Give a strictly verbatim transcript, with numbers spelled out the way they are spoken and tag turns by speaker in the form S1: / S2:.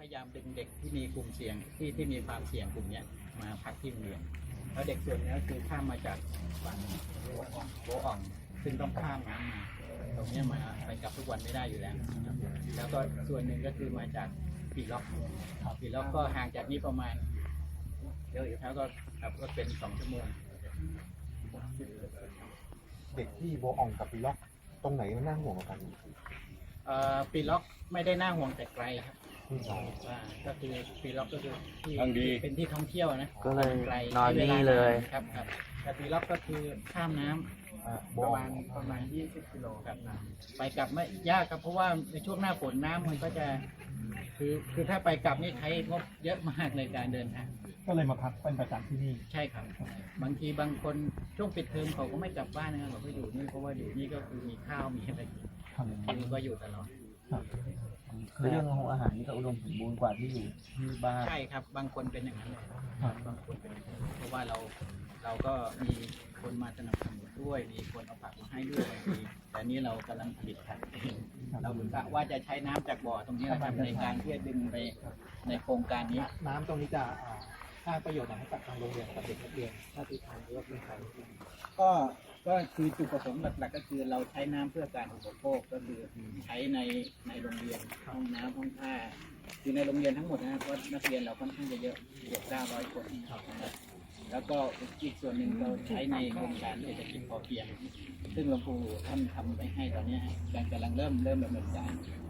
S1: ยายามดึงเด็กที่มีกลุ่มเสี่ยงที่ที่มีความเสี่ยงกลุ่มนี้มาพักที่โรงเรียนแล้วเด็กส่วนนี้ก็คือข้ามมาจากฝั่งโบอ่องโบอ่องซึ่งต้องข้ามน้ำมาตรงนี้มาไปกลับทุกวันไม่ได้อยู่แล้วแล้วก็ส่วนหนึ่งก็คือมาจากปีล็อกปีล็อกก็ห่างจากนี้ประมาณเยอะอยู่แล้วก็ขับรถเป็นสองชั่วโมง
S2: เด็กที่โบอ่องกับปีล็อกตรงไหนมันน่าห่วงกว่ากัน
S1: เอ่อปีล็อกไม่ได้น่าห่วงแต่ไกลครับ
S2: ที่สอง
S1: ว่าก็คือปีล็อกก็คือที่
S3: ทางดี
S1: เป็นที่ท่องเที่ยวนะ
S4: ก็เลย
S1: ไกล
S4: นอน
S1: ใช้วา
S4: นี่เลย
S1: ครับครับแต่ปีล็อกก็คือข้ามน้ำ
S2: อ่าโบ
S1: ประ
S2: อ่อ
S1: มาง ณประมาณยี่สิบกิโลครับไปกลับไม่ยากครับเพราะว่าในช่วงหน้าฝนน้ำมันก็จะคือคือถ้าไปกลับนี่ใช้งบเยอะมากในการเดินทาง
S2: ก็เลยมาพักเป็นประจำที่นี่
S1: ใช่ครับบางทีบางคนช่วงปิดเทอมเขาก็ไม่กลับบ้านนะครับเขาก็อยู่นี่เพราะว่าอยู่นี่ก็คือมีข้าวมีอะไรกินคือก็อยู่ตลอด
S4: เรื่องของอาหารนี่ก็อุดมสมบูรณ์กว่าที่อยู่ที่บ้าน
S1: ใช่ครับบางคนเป็นอย่างนั้นเลย
S2: ครับ
S1: บางคนเป็นอย่างนั้นเพราะว่าเราเราก็มีคนมาสนับสนุนด้วยมีคนเอาผักมาให้ด้วยบางทีแต่นี้เรากำลังผลิตผักเองเรากะว่าจะใช้น้ำจากบ่อตรงนี้นะครับในการที่จะดึงไปในโครงการนี้
S2: น้ำตรงนี้จะอ่าสร้างประโยชน์อะไรให้กับทางโรงเรียนกับเด็กนักเรียนถ้าที่ทานหรือว่าเป็นใคร
S1: ก็ก็คือจุดประสงค์หลักๆก็คือเราใช้น้ำเพื่อการอุปโภคก็คือใช้ในในโรงเรียนห้องน้ำห้องท่าคือในโรงเรียนทั้งหมดนะครับเพราะนักเรียนเราค่อนข้างจะเยอะเกือบเก้าร้อยคนนะครับแล้วก็อีกส่วนหนึ่งเราใช้ในโครงการเศรษฐกิจพอเพียงซึ่งหลวงปู่ท่านทำไว้ให้ตอนนี้กำลังเริ่มเริ่มดำเนินการ